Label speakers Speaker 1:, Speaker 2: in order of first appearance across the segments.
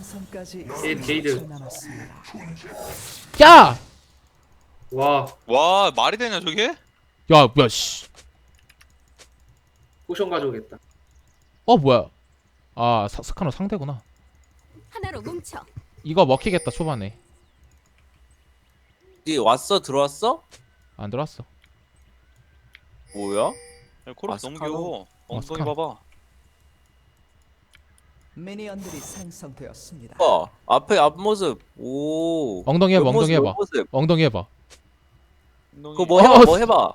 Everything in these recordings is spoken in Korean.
Speaker 1: 생성까지
Speaker 2: 게이드.
Speaker 1: 30초 남았습니다.
Speaker 3: 야!
Speaker 2: 와,
Speaker 4: 말이 되냐 저게?
Speaker 3: 야 뭐야 씨.
Speaker 2: 포션 가져오겠다.
Speaker 3: 뭐야. 스카노 상대구나.
Speaker 5: 하나로 뭉쳐.
Speaker 3: 이거 먹히겠다 초반에.
Speaker 6: 니 왔어? 들어왔어?
Speaker 3: 안 들어왔어.
Speaker 6: 뭐야?
Speaker 4: 야, 코르키 너무
Speaker 6: 스카노?
Speaker 4: 귀여워. 엉덩이
Speaker 3: 스카노.
Speaker 4: 봐봐.
Speaker 1: 미니언들이 생성되었습니다.
Speaker 6: 앞에 앞모습. 오.
Speaker 3: 엉덩이 해봐,
Speaker 6: 옆모습,
Speaker 3: 엉덩이 해봐.
Speaker 6: 옆모습.
Speaker 3: 엉덩이 해봐.
Speaker 4: 엉덩이.
Speaker 6: 그거 뭐 해봐, 뭐 해봐.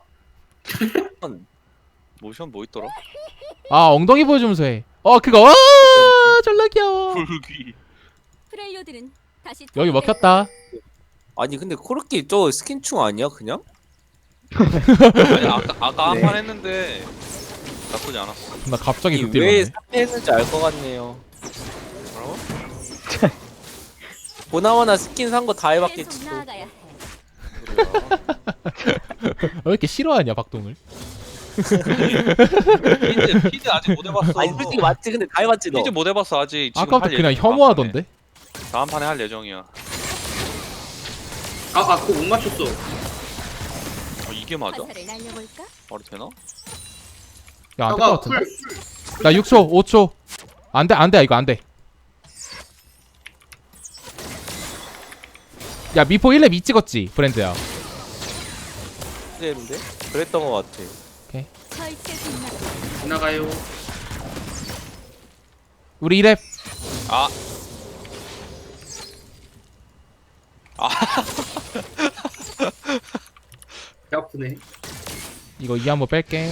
Speaker 4: 모션 뭐 있더라?
Speaker 3: 엉덩이 보여주면서 해. 그거 졸라 귀여워.
Speaker 4: 불귀.
Speaker 5: 프렐료들은 다시
Speaker 3: 여기 먹혔다.
Speaker 6: 아니 근데 코르키 저 스킨충 아니야 그냥?
Speaker 4: 아니, 아까 한
Speaker 6: 네.
Speaker 4: 판 했는데 나쁘지 않았어.
Speaker 3: 나 갑자기
Speaker 6: 이
Speaker 3: 극딜
Speaker 6: 왜
Speaker 3: 넣네.
Speaker 6: 삭제했는지 알 것 같네요.
Speaker 4: 뭐라고?
Speaker 6: 보나마나 스킨 산 거 다
Speaker 5: 계속
Speaker 6: 해봤겠지. 또.
Speaker 5: 나아가야 해.
Speaker 3: 왜 이렇게 싫어하냐 박동을?
Speaker 4: 피드 아직 못 해봤어.
Speaker 6: 아니 솔직히 맞지 근데 다 해봤지 너.
Speaker 4: 피드 못 해봤어 아직. 지금
Speaker 3: 아까부터
Speaker 4: 할
Speaker 3: 그냥
Speaker 4: 예정이야,
Speaker 3: 혐오하던데.
Speaker 4: 다음 판에 할 예정이야.
Speaker 2: 그거 못 맞췄어.
Speaker 4: 이게 맞아?
Speaker 5: 화살을 날려볼까?
Speaker 4: 말이 되나?
Speaker 3: 야 안 될 것 같은데.
Speaker 2: 풀.
Speaker 3: 나 6초 5초. 안돼 이거 안돼. 야 미포 1렙 2 찍었지 브랜드야.
Speaker 6: 했는데? 그랬던 것 같아.
Speaker 5: 절제 빛나.
Speaker 2: 지나가요.
Speaker 3: 우리 1렙.
Speaker 4: 아.
Speaker 2: 배 아프네.
Speaker 3: 이거 2 한번 뺄게.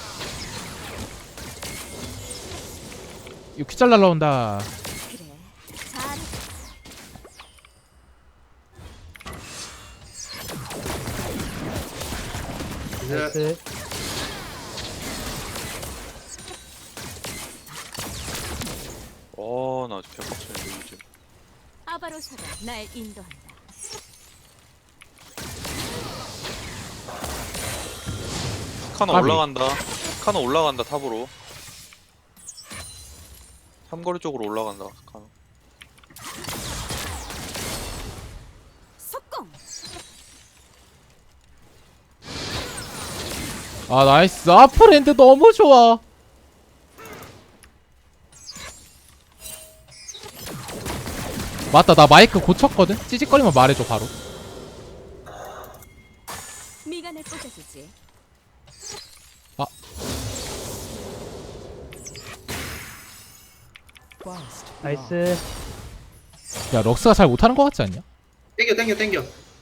Speaker 3: 이거 퀴잘 날라온다.
Speaker 5: 그래. 잘.
Speaker 2: 이제
Speaker 4: 나 개빡치네 요즘.
Speaker 5: 아바로사가 날 인도한다.
Speaker 4: 스카너
Speaker 3: 까비.
Speaker 4: 올라간다. 스카너 올라간다 탑으로. 삼거리 쪽으로 올라간다. 스카너.
Speaker 5: 속공.
Speaker 3: 나이스. 브랜드 너무 좋아. 맞다 나 마이크 고쳤거든. 찌직거리면 말해줘 바로.
Speaker 5: 미간을 꽂아주지.
Speaker 1: 나이스.
Speaker 3: 야 럭스가 잘 못하는 것 같지 않냐?
Speaker 2: 땡겨.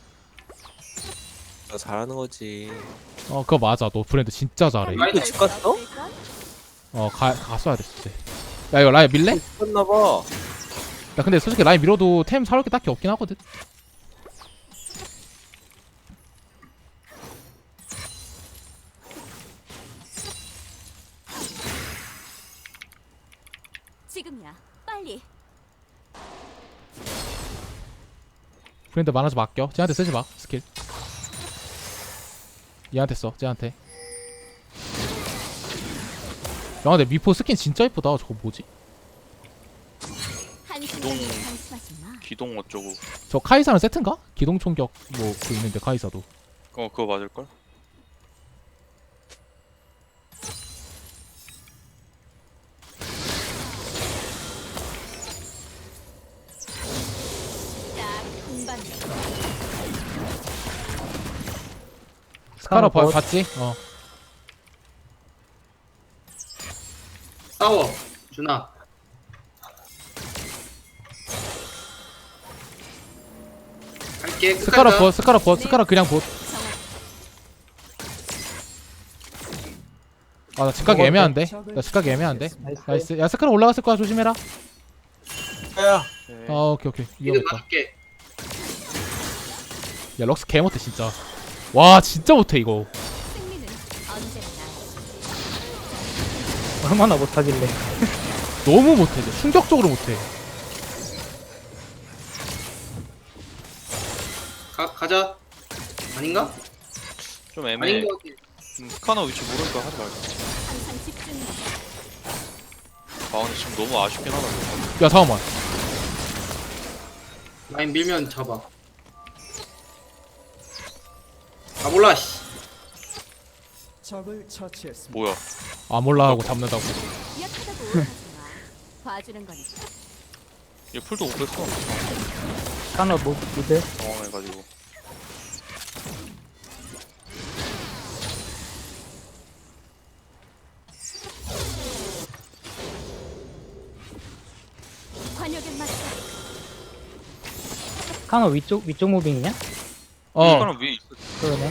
Speaker 6: 나 잘하는 거지.
Speaker 3: 그거 맞아. 너 브랜드 진짜 잘해.
Speaker 6: 이거 집 갔어?
Speaker 3: 갔어야 됐을 때. 야 이거 라인 밀래?
Speaker 6: 죽었나봐.
Speaker 3: 야 근데 솔직히 라인 밀어도 템 사올 게 딱히 없긴 하거든.
Speaker 5: 지금이야. 빨리.
Speaker 3: 브랜드 많아서 맡겨. 쟤한테 쓰지 마 스킬. 얘한테 써. 쟤한테. 야 근데 미포 스킨 진짜 예쁘다. 저거 뭐지?
Speaker 5: 한순간에 방심하지 마.
Speaker 4: 기동 어쩌고.
Speaker 3: 저 카이사는 세트인가? 기동 총격 뭐 그 있는데 카이사도.
Speaker 4: 그거 맞을걸?
Speaker 5: 딱 금방.
Speaker 3: 스카너 봤지?
Speaker 2: 싸워. 준아. 갈게.
Speaker 3: 스카너
Speaker 2: 끝까지 가.
Speaker 3: 봇, 스카너 봇, 스카너 그냥 봇. 나 집가기 애매한데? 나 집가기 애매한데? 나이스. 야 스카너 올라갔을 거야. 조심해라.
Speaker 6: 야.
Speaker 3: 오케이.
Speaker 2: 이거
Speaker 3: 위험했다.
Speaker 2: 맞을게.
Speaker 3: 야 럭스 개 못해 진짜. 와 진짜 못해 이거.
Speaker 5: 승리는 언제나 나.
Speaker 7: 얼마나 못하길래.
Speaker 3: 너무 못해. 진짜 충격적으로 못해.
Speaker 2: 가자. 아닌가?
Speaker 4: 좀 애매해.
Speaker 2: 아닌 것 같아.
Speaker 4: 스카너 위치 모르니까 하지 말자.
Speaker 5: 항상 집중해.
Speaker 4: 근데 지금 너무 아쉽긴 하다.
Speaker 3: 야 잠깐만.
Speaker 2: 라인 밀면 잡아. 아 몰라 씨.
Speaker 1: 적을 처치했습니다.
Speaker 4: 뭐야?
Speaker 3: 아 몰라 하고 잡는다고.
Speaker 5: 약하다고 하지 마. 봐주는 거니까.
Speaker 4: 얘 풀도 못 뺐어.
Speaker 7: 스카너 무대.
Speaker 4: 당황해가지고.
Speaker 5: 관역에 맞춰.
Speaker 7: 스카너 위쪽 무빙이냐?
Speaker 3: 어
Speaker 4: 스카너 위에 있어.
Speaker 7: 그러네.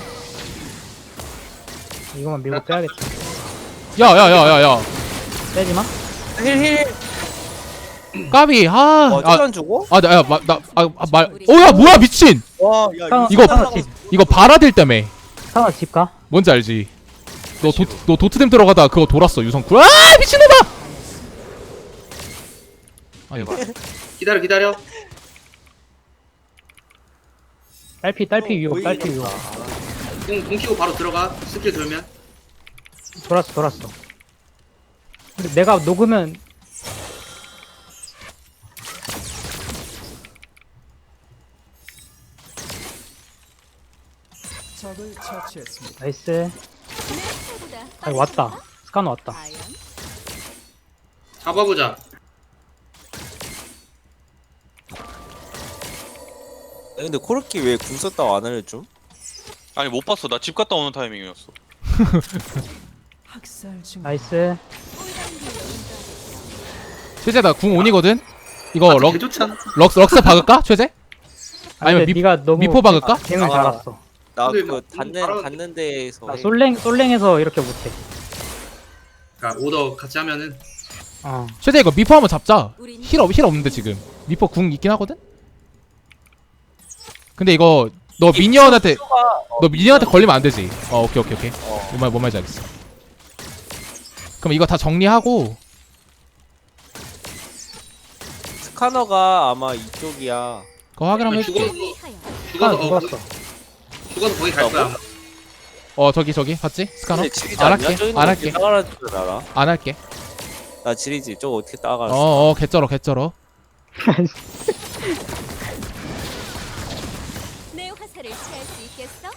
Speaker 7: 이거만 밀고 빼야겠다.
Speaker 3: 야야야야야
Speaker 7: 빼지 마.
Speaker 6: 힐힐.
Speaker 3: 까비
Speaker 6: 와 안 주고?
Speaker 3: 아아아나말 오야 뭐야 미친
Speaker 6: 와 야
Speaker 7: 스카너
Speaker 3: 이거-
Speaker 7: 스카너 집.
Speaker 3: 이거 바라딜 때문에
Speaker 7: 스카너 집 가.
Speaker 3: 뭔지 알지? 너 도트댐 들어가다 그거 돌았어 유성쿨. 아 미친놈아! 아니
Speaker 2: 기다려.
Speaker 7: 딸피 위로 딸피 위로.
Speaker 2: 공 키고 바로 들어가. 스킬 돌면.
Speaker 7: 돌았어. 근데 내가 녹으면
Speaker 1: 적을 처치했습니다.
Speaker 7: 나이스.
Speaker 5: 내 스타일보다
Speaker 7: 아 왔다.
Speaker 5: 빠르지
Speaker 7: 스카너 왔다.
Speaker 5: 않아? 과연?
Speaker 2: 잡아보자.
Speaker 6: 근데 코르키 왜 궁 썼다고 안 알려줌?
Speaker 4: 아니 못 봤어. 나 집 갔다 오는 타이밍이었어.
Speaker 1: 학살 중.
Speaker 7: 나이스.
Speaker 3: 최재 나궁 온이거든. 이거
Speaker 2: 아, 개 좋잖아.
Speaker 3: 럭스 박을까 최재? 아니면
Speaker 7: 근데
Speaker 3: 미-
Speaker 7: 네가 너무
Speaker 3: 미포 박을까?
Speaker 7: 갱을
Speaker 6: 아.
Speaker 7: 달았어.
Speaker 6: 나
Speaker 2: 근데
Speaker 6: 그거
Speaker 2: 뭐
Speaker 6: 닿는 데에서
Speaker 7: 나 솔랭에서 이렇게 못해.
Speaker 2: 그러니까 오더 같이 하면은
Speaker 7: 어.
Speaker 3: 최재 이거 미포 한번 잡자.
Speaker 5: 우린
Speaker 3: 힐 없는데 지금 미포 궁 있긴 하거든. 근데 이거 너 미니언한테 걸리면 안 되지. 오케이. 뭔 말인지 알겠어. 그럼 이거 다 정리하고
Speaker 6: 스카너가 아마 이쪽이야.
Speaker 3: 그거 확인 한번
Speaker 2: 죽어.
Speaker 3: 해줄게.
Speaker 5: 위하여.
Speaker 7: 스카너
Speaker 2: 죽어서
Speaker 7: 죽었어.
Speaker 2: 죽어서 거기 갈 거야.
Speaker 3: 저기 봤지? 스카너?
Speaker 6: 근데 지리지
Speaker 3: 안
Speaker 6: 않냐?
Speaker 3: 할게.
Speaker 6: 저기는
Speaker 3: 안
Speaker 6: 어떻게
Speaker 3: 할게.
Speaker 6: 따라갈 줄 알아?
Speaker 3: 안 할게.
Speaker 6: 나 지리지. 저거 어떻게 따라갈 수
Speaker 3: 개쩔어.
Speaker 5: 내 화살을 피할 수 있겠어?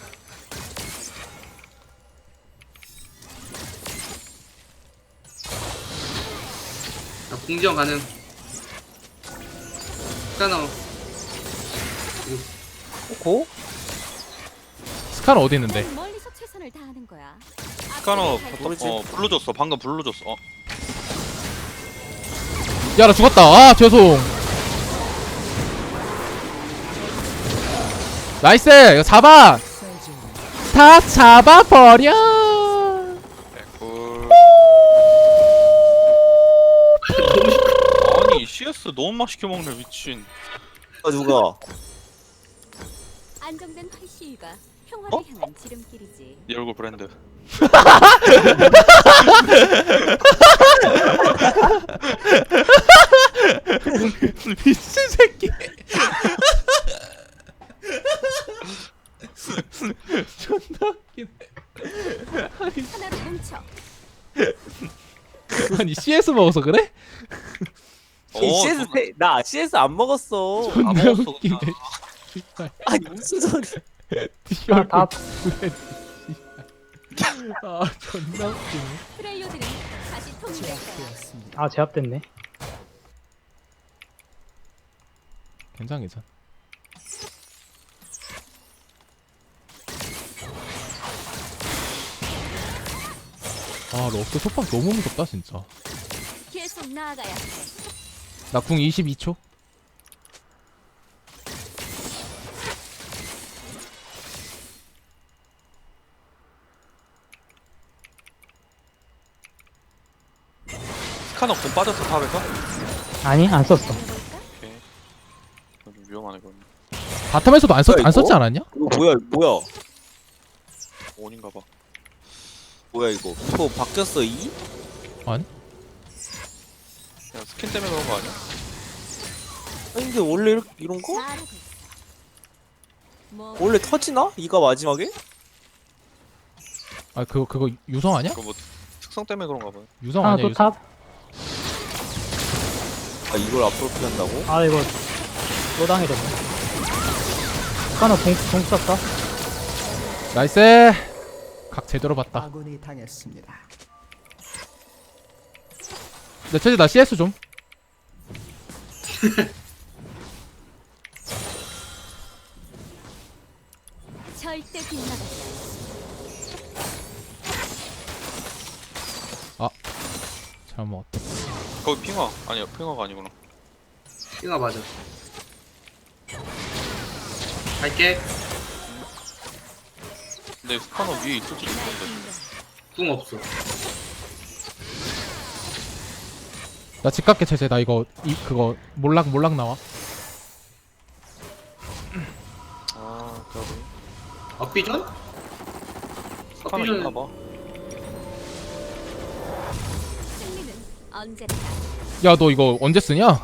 Speaker 2: 나 공지원 가능. 스카너.
Speaker 6: 고?
Speaker 3: 스카너 어디 있는데?
Speaker 5: 난 멀리서 최선을 다하는 거야.
Speaker 4: 스카너
Speaker 5: 앞으로 갈
Speaker 6: 모르지.
Speaker 4: 불러줬어. 방금 불러줬어.
Speaker 3: 야 나 죽었다. 아 죄송. 나이스. 이거 잡아.
Speaker 1: 학살 중.
Speaker 3: 다 잡아버려.
Speaker 4: 꿀. 아니 CS 너무 맛있게 먹네 미친.
Speaker 6: 누가?
Speaker 5: 안정된 활시위가 평화를 향한 지름길이지.
Speaker 4: 네 얼굴 브랜드.
Speaker 3: 미친 새끼. 존나 웃기네.
Speaker 5: 하나로 뭉쳐.
Speaker 3: 아니 CS 먹어서 그래?
Speaker 6: CS 나 CS 안 먹었어.
Speaker 3: 존나
Speaker 4: 먹었어,
Speaker 3: 웃기네.
Speaker 4: 그냥.
Speaker 3: 씨발.
Speaker 6: 아니 무슨 소리?
Speaker 3: 네 얼굴
Speaker 7: 다
Speaker 3: 브랜드, 씨발. 아 존나 웃기네.
Speaker 5: 프렐류드는 다시 통일될 거야.
Speaker 1: 제압되었습니다.
Speaker 7: 아 제압됐네.
Speaker 3: 괜찮. 아 럭스 속박 너무 무섭다 진짜.
Speaker 5: 계속 나아가야 해.
Speaker 3: 나 궁 22초.
Speaker 4: 스카너 공 빠졌어 탑에서?
Speaker 7: 아니 안 썼어.
Speaker 4: 오케이. 이거 좀 위험하네 그건.
Speaker 3: 바텀에서도 안
Speaker 6: 뭐야,
Speaker 3: 썼지
Speaker 6: 이거?
Speaker 3: 않았냐?
Speaker 6: 이거 뭐야?
Speaker 4: 원인가 봐.
Speaker 6: 뭐야 이거? 또 바뀌었어 이?
Speaker 4: 그냥 스킨 때문에 그런 거 아니야?
Speaker 6: 아니 근데 원래 이런 거?
Speaker 5: 잘하고 있어. 뭐
Speaker 6: 원래 터지나? 이가 마지막에?
Speaker 3: 아 그거 유성 아니야?
Speaker 4: 그거 뭐 특성 때문에 그런가 봐요.
Speaker 3: 유성
Speaker 7: 하나
Speaker 3: 아니야
Speaker 7: 또
Speaker 3: 유성?
Speaker 7: 탑.
Speaker 6: 아 이걸 앞으로 피한다고?
Speaker 7: 아 이거 또 당해졌네. 스카너 동 썼어.
Speaker 3: 나이스. 각 제대로 봤다.
Speaker 1: 아군이 당했습니다.
Speaker 3: 내 체제 나 CS 좀.
Speaker 5: 절대 빗나가지 않아.
Speaker 3: 잘못 먹었다.
Speaker 4: 거기 핑화 아니야 핑화가 아니구나.
Speaker 2: 띵아 맞아. 갈게.
Speaker 4: 근데 스카너 위에 있을지
Speaker 5: 날
Speaker 4: 모르겠는데.
Speaker 5: 인도해.
Speaker 2: 궁 없어.
Speaker 3: 나 집값게 체제. 나 이거 그거 몰락 나와.
Speaker 4: 아 저기
Speaker 2: 앞비전?
Speaker 4: 스카너
Speaker 2: 앞비전
Speaker 4: 있나봐.
Speaker 5: 승리는 언제나
Speaker 3: 야 너 이거 언제 쓰냐?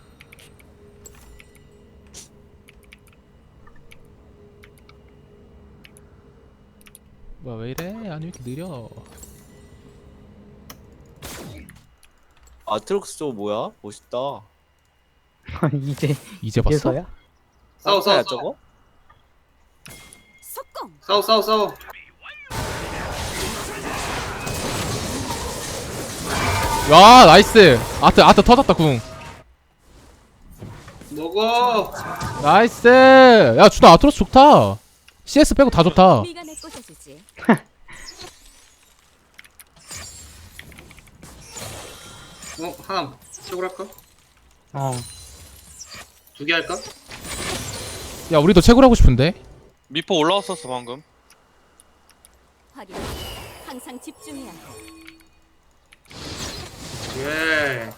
Speaker 3: 뭐야 왜 이래? 아니 왜 이렇게 느려?
Speaker 6: 아트록스 저거 뭐야? 멋있다.
Speaker 3: 이제 봤어?
Speaker 7: 이제서야?
Speaker 2: 싸워
Speaker 6: 야
Speaker 2: 싸워
Speaker 6: 저거?
Speaker 5: 속공.
Speaker 2: 싸워.
Speaker 3: 야 나이스. 아트 터졌다 궁.
Speaker 2: 먹어.
Speaker 3: 나이스. 야 주다 아트로스 좋다. CS 빼고 다 좋다.
Speaker 5: 미간에 꽂아주지.
Speaker 2: 하나 채굴 할까?
Speaker 7: 어.
Speaker 2: 2개 할까?
Speaker 3: 야 우리도 채굴하고 싶은데.
Speaker 4: 미포 올라왔었어 방금.
Speaker 5: 확인. 항상 집중해야 해.
Speaker 2: 예.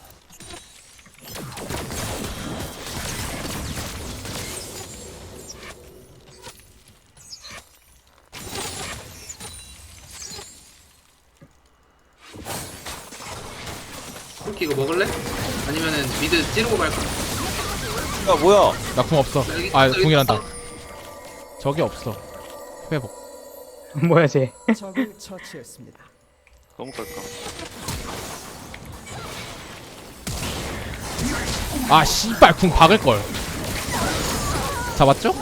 Speaker 2: 쿠키 이거 먹을래? 아니면은 미드 찌르고 갈까?
Speaker 6: 야 뭐야?
Speaker 3: 나 궁 없어.
Speaker 2: 여기,
Speaker 3: 아
Speaker 2: 여기
Speaker 3: 궁이란다.
Speaker 2: 있어.
Speaker 3: 저기 없어. 회복.
Speaker 7: 뭐야 쟤?
Speaker 1: 적을 처치했습니다.
Speaker 4: 너무 깔까.
Speaker 3: 아 씨발 궁 박을 걸. 잡았죠?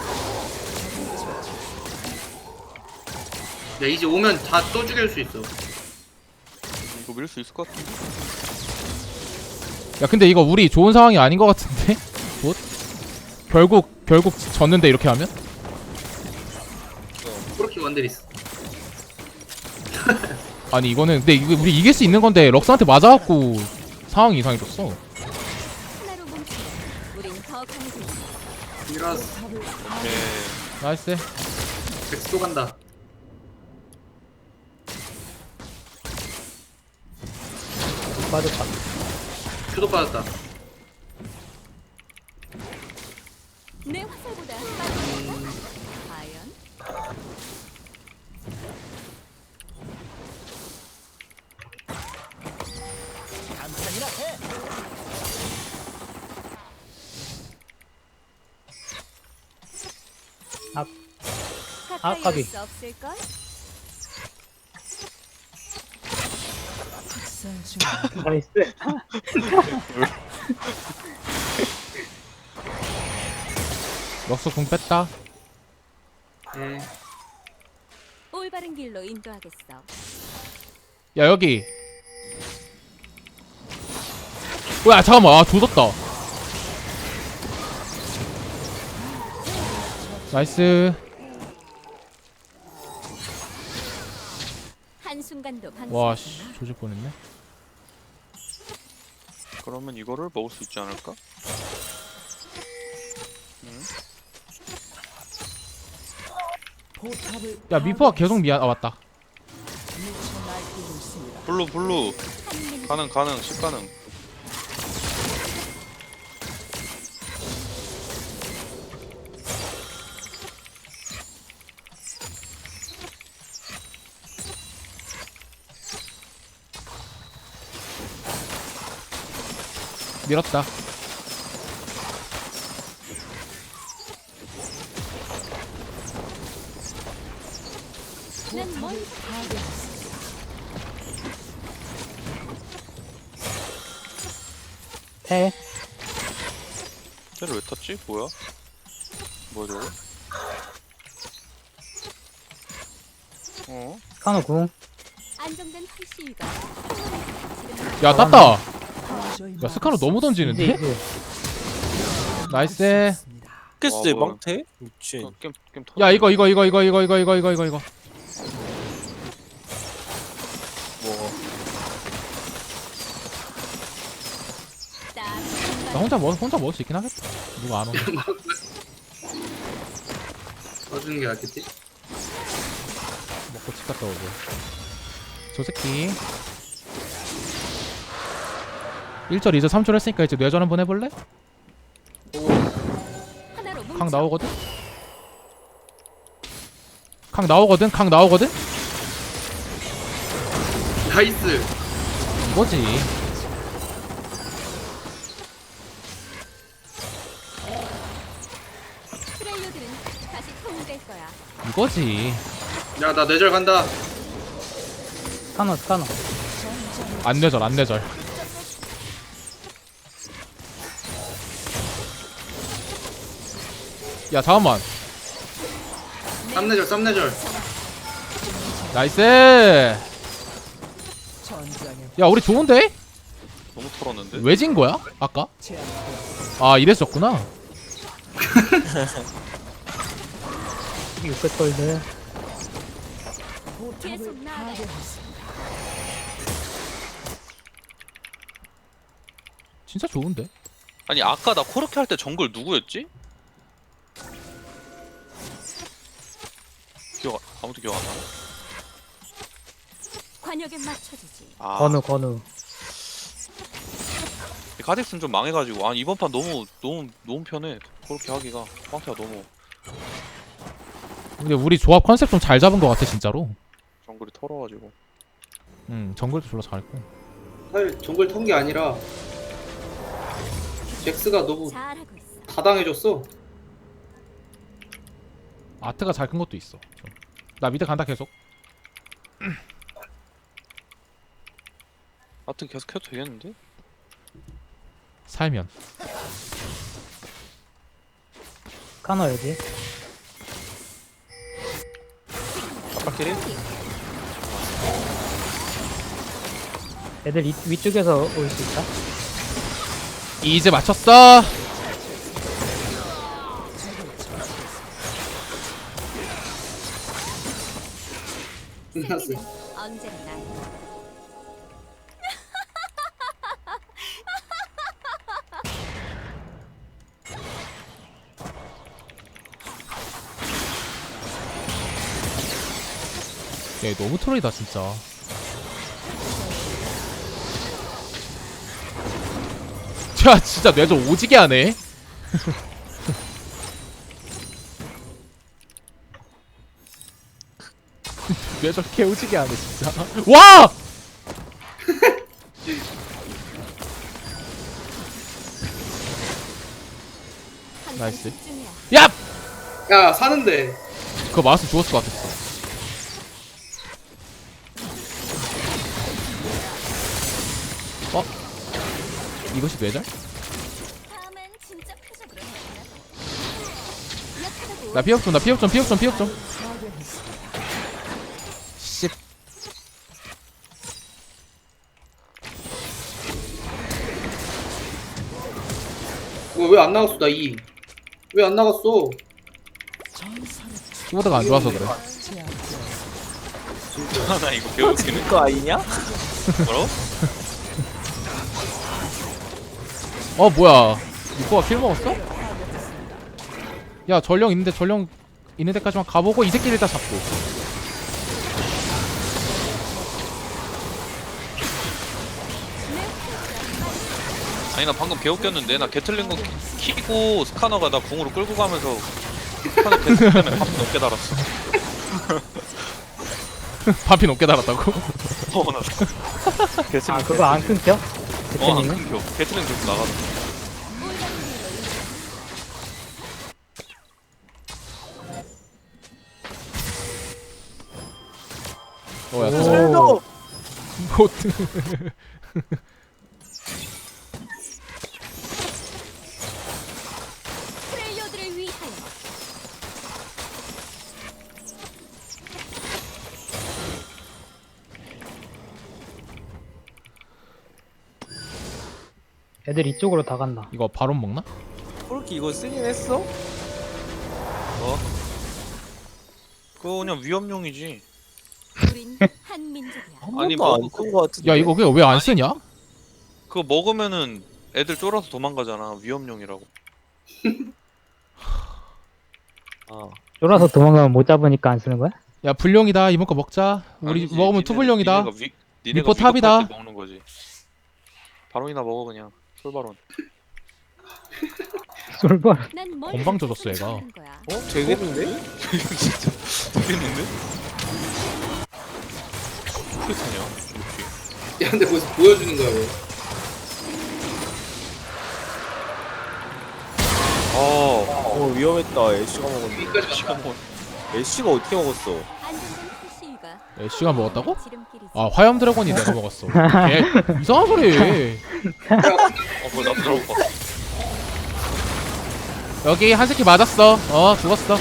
Speaker 2: 야 이제 오면 다 또 죽일 수 있어.
Speaker 4: 이거 밀 수 있을 것 같은데.
Speaker 3: 야 근데 이거 우리 좋은 상황이 아닌 것 같은데? 뭐? 결국 졌는데 이렇게 하면?
Speaker 2: 그렇게 원데리스.
Speaker 3: 아니 이거는 근데 이거 우리 이길 수 있는 건데 럭스한테 맞아갖고 상황이 이상해졌어.
Speaker 5: 하나로 뭉치면 우린 더 강해질 수 있어.
Speaker 2: 미라스
Speaker 4: 오케이.
Speaker 3: 나이스.
Speaker 2: 백스도 간다.
Speaker 7: 빠졌다.
Speaker 2: 큐도 빠졌다.
Speaker 5: 내 화살보다 빠르다. 과연? 가까이
Speaker 7: 까비.
Speaker 5: 올 수 없을걸?
Speaker 1: 학살 중
Speaker 7: 나이스.
Speaker 3: 럭스 궁 뺐다.
Speaker 2: 예.
Speaker 5: 올바른 길로 인도하겠어.
Speaker 3: 야 여기. 뭐야 잠깐만. 아 조졌다. 나이스.
Speaker 5: 한순간도 방심.
Speaker 3: 와씨 조질 뻔했네.
Speaker 4: 그러면 이거를 먹을 수 있지 않을까?
Speaker 1: 포탑을
Speaker 3: 야 미포가 계속 미안. 아 맞다.
Speaker 1: 미쳐 날뛰고 있습니다.
Speaker 4: 블루 가능 10 가능.
Speaker 3: 밀었다.
Speaker 5: 난 멀리
Speaker 7: 패.
Speaker 4: 쟤를 왜 탔지? 뭐야 저거? 어?
Speaker 7: 카노 궁.
Speaker 5: 안정된 활시위가
Speaker 3: 야 땄다.
Speaker 1: 도저히
Speaker 3: 야 스카노 너무
Speaker 7: 이제
Speaker 3: 던지는데?
Speaker 7: 이제
Speaker 3: 나이스.
Speaker 1: 없습니다.
Speaker 6: 깼어요
Speaker 4: 뭐야.
Speaker 6: 망태? 미친.
Speaker 4: 게임 터.
Speaker 3: 야 이거
Speaker 4: 뭐
Speaker 3: 나 혼자 먹을 수 있긴 하겠다. 누가 안 오네.
Speaker 2: 써주는 게 낫겠지?
Speaker 3: 먹고 집 갔다 오고. 저 새끼 1절 2절 3절 했으니까 이제 뇌전 한번 해볼래?
Speaker 5: 하나로 뭉쳐.
Speaker 3: 강 나오거든? 강 나오거든?
Speaker 2: 나이스.
Speaker 3: 이거지.
Speaker 5: 프렐류들은 다시 통일될 거야.
Speaker 3: 이거지.
Speaker 2: 야 나 뇌절 간다.
Speaker 7: 카노.
Speaker 3: 안 뇌절. 야 잠깐만.
Speaker 2: 쌈뇌절.
Speaker 3: 나이스.
Speaker 1: 전장에
Speaker 3: 야 우리 좋은데?
Speaker 4: 너무 털었는데.
Speaker 3: 왜 진 거야? 아까?
Speaker 1: 제압되었습니다.
Speaker 3: 아 이랬었구나.
Speaker 7: 600골드.
Speaker 1: 포탑을
Speaker 5: 계속 나아가요.
Speaker 1: 파괴했습니다.
Speaker 3: 진짜 좋은데?
Speaker 4: 아니 아까 나 코르키 할 때 정글 누구였지? 아무도 기억 안 나.
Speaker 5: 관역에 맞춰주지.
Speaker 4: 아,
Speaker 7: 건우.
Speaker 4: 가딕스는 좀 망해가지고 아니 이번 판 너무 편해. 그렇게 하기가 황태가 너무
Speaker 3: 근데 우리 조합 컨셉 좀 잘 잡은 것 같아 진짜로.
Speaker 4: 정글이 털어가지고.
Speaker 3: 정글도 졸라 잘했고.
Speaker 2: 사실 정글 턴 게 아니라 잭스가 너무
Speaker 5: 잘하고 있어.
Speaker 2: 다당해줬어.
Speaker 3: 아트가 잘 큰 것도 있어. 나 미드 간다 계속.
Speaker 4: 하여튼 계속 해도 되겠는데?
Speaker 3: 살면.
Speaker 7: 카노 여기.
Speaker 4: 아빠끼리?
Speaker 7: 애들 위쪽에서 올 수 있다.
Speaker 3: 이제 맞췄어.
Speaker 2: 끝났어.
Speaker 5: 언제나 날.
Speaker 3: 야 너무 트롤이다 진짜. 야 진짜 뇌절 오지게 하네. 뇌절 개 오지게 하네 진짜. 와!
Speaker 5: 항상
Speaker 3: 나이스.
Speaker 5: 집중해야.
Speaker 3: 야!
Speaker 2: 야 사는데.
Speaker 3: 그거 마우스 죽었을 것 같았어. 어? 이것이 뇌절?
Speaker 5: 다음엔 진짜 표적으로 해보자. 약하다고.
Speaker 3: 나 피업 좀. 씨.
Speaker 2: 왜 안 나갔어 나 2. 왜 안 나갔어?
Speaker 1: 전설의
Speaker 3: 키보드가 안 좋아서 그래.
Speaker 1: 제압되었습니다.
Speaker 4: 나 이거 배우기는
Speaker 6: 그거 아니냐?
Speaker 4: 뭐라고?
Speaker 3: 어 뭐야? 이거가 킬 먹었어? 야 전령 있는데 전령 있는 데까지만 가보고 이 새끼를 다 잡고.
Speaker 4: 아니 나 방금 개웃겼는데 나 게틀링 거 키고 스카너가 나 궁으로 끌고 가면서 스카너 게틀 때문에 밥 넘게 달았어.
Speaker 3: 반피 높게 달았다고?
Speaker 4: 나 게틀링
Speaker 7: 그거 안 끊겨?
Speaker 4: 안
Speaker 7: 대표님은?
Speaker 4: 끊겨. 게틀링 들고 나가서
Speaker 3: 어야
Speaker 7: 오.
Speaker 3: 보트.
Speaker 5: 프렐류들을 위하여.
Speaker 7: 애들 이쪽으로 다 간다.
Speaker 3: 이거 바론 먹나?
Speaker 6: 코르키 이거 쓰긴 했어?
Speaker 4: 그거 그냥 위험용이지.
Speaker 5: 우린 한 민족이야.
Speaker 6: 한
Speaker 4: 아니,
Speaker 6: 번도
Speaker 4: 뭐,
Speaker 6: 안쓴거 같은데.
Speaker 3: 야 이거 왜 안 쓰냐?
Speaker 4: 그거 먹으면은 애들 쫄아서 도망가잖아. 위험용이라고.
Speaker 6: 아,
Speaker 7: 쫄아서 도망가면 못 잡으니까 안 쓰는 거야?
Speaker 3: 야 불룡이다 이번 거 먹자. 우리
Speaker 4: 아니지,
Speaker 3: 먹으면 투불룡이다.
Speaker 4: 니네가
Speaker 3: 미포 탑이다.
Speaker 4: 위급할 때 먹는 거지. 바론이나 먹어 그냥. 솔바론.
Speaker 7: 솔벌.
Speaker 5: 난뭘
Speaker 3: 건방 져줬어, 얘가.
Speaker 5: 하는 거야.
Speaker 6: 되겠는데?
Speaker 4: 진짜 되겠는데? 어떻게 타냐? 이렇게.
Speaker 2: 야 근데 거기서 보여주는 거야 왜?
Speaker 6: 위험했다. 애쉬가 먹었네.
Speaker 2: 여기까지
Speaker 4: 시간
Speaker 2: 갔다.
Speaker 4: 뭐
Speaker 6: 애쉬가 어떻게 먹었어?
Speaker 5: 안전된 표시가
Speaker 3: 애쉬가 먹었다고?
Speaker 5: 지름길이지.
Speaker 3: 아 화염 드래곤이 내가 먹었어. 걔 이상한 소리 해.
Speaker 4: 뭐나 들어봐.
Speaker 3: 여기 한 새끼 맞았어. 죽었어.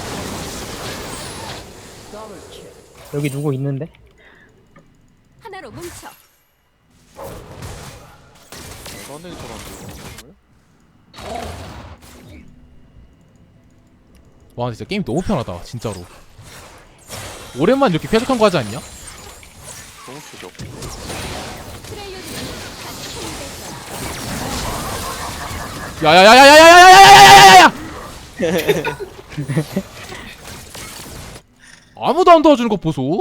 Speaker 7: 여기 누구 있는데?
Speaker 5: 하나로 뭉쳐.
Speaker 4: 나한테 저런데.
Speaker 3: 와 진짜 게임 너무 편하다 진짜로. 오랜만에 이렇게 쾌적한 거 하지 않냐?
Speaker 4: 너무 표적.
Speaker 5: 트레이어들이 같이 힘들 거야.
Speaker 3: 야야야야야야야야야야야야야야야! 아무도 안 도와주는 거 보소.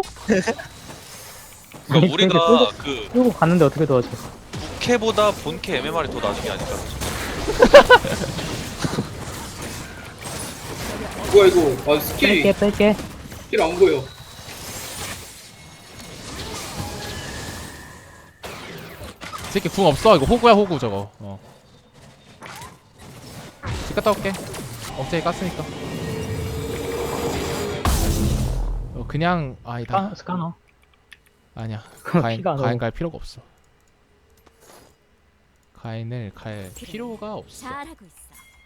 Speaker 4: 그러니까 우리가 그
Speaker 7: 끌고 갔는데 어떻게 도와줘?
Speaker 4: 부캐보다 본캐 MMR이 더 나중이 아닐까.
Speaker 2: 뭐야 이거? 아 스킬이
Speaker 7: 뺄게.
Speaker 2: 스킬 안 보여.
Speaker 3: 이 새끼 궁 없어. 이거 호구야 호구 저거. 집 갔다 올게. 억제기 깠으니까. 그냥 아니다.
Speaker 7: 스카너.
Speaker 3: 아니야.
Speaker 7: 그거
Speaker 3: 가인
Speaker 7: 피가
Speaker 3: 가인
Speaker 7: 너무-
Speaker 3: 갈 필요가 없어. 가인을 갈 필요가 없어.
Speaker 5: 잘하고 있어.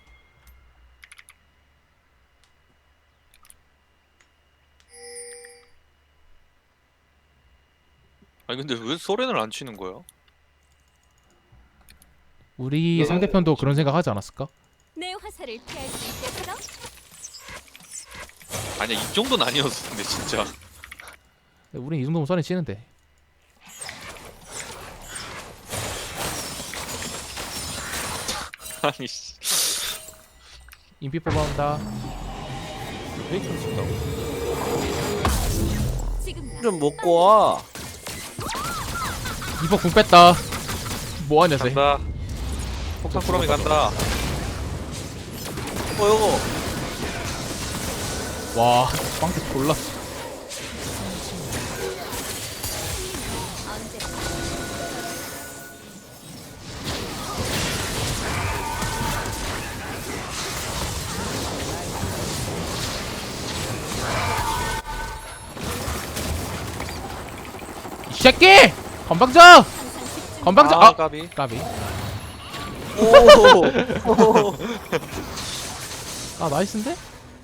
Speaker 4: 아니 근데 왜 소렌을 안 치는 거야?
Speaker 3: 우리 상대편도 그런 생각 하지 않았을까?
Speaker 5: 내 화살을 피할 수 있겠어?
Speaker 4: 아니야 이 정도는 아니었어 근데 진짜.
Speaker 3: 우린 이 정도면 선에 치는데.
Speaker 4: 아니 씨.
Speaker 3: 인피 뽑아온다.
Speaker 4: 페이크를 친다고?
Speaker 5: 지금 나
Speaker 6: 좀 먹고 와.
Speaker 3: 이번 궁 뺐다. 뭐하냐 쟤.
Speaker 4: 간다. 폭탄 꾸러미 간다.
Speaker 6: 이거.
Speaker 3: 와 빵태 졸라.
Speaker 5: 언제
Speaker 3: 이 새끼! 건방져!
Speaker 5: 항상 집중.
Speaker 3: 건방져!
Speaker 4: 아 까비.
Speaker 3: 까비.
Speaker 6: 오.
Speaker 3: 아 나이스인데?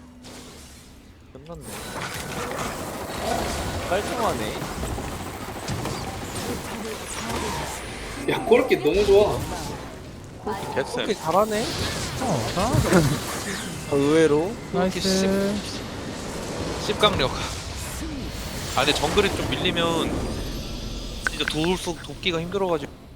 Speaker 4: 끝났네.
Speaker 6: 깔끔하네.
Speaker 2: 야 그렇게 너무 좋아.
Speaker 4: 개쌤.
Speaker 6: 그렇게 잘하네.
Speaker 3: 잘하네.
Speaker 6: 의외로.
Speaker 3: 나이스.
Speaker 4: 씹강력. 아 근데 정글이 좀 밀리면 진짜 돕기가 힘들어가지고.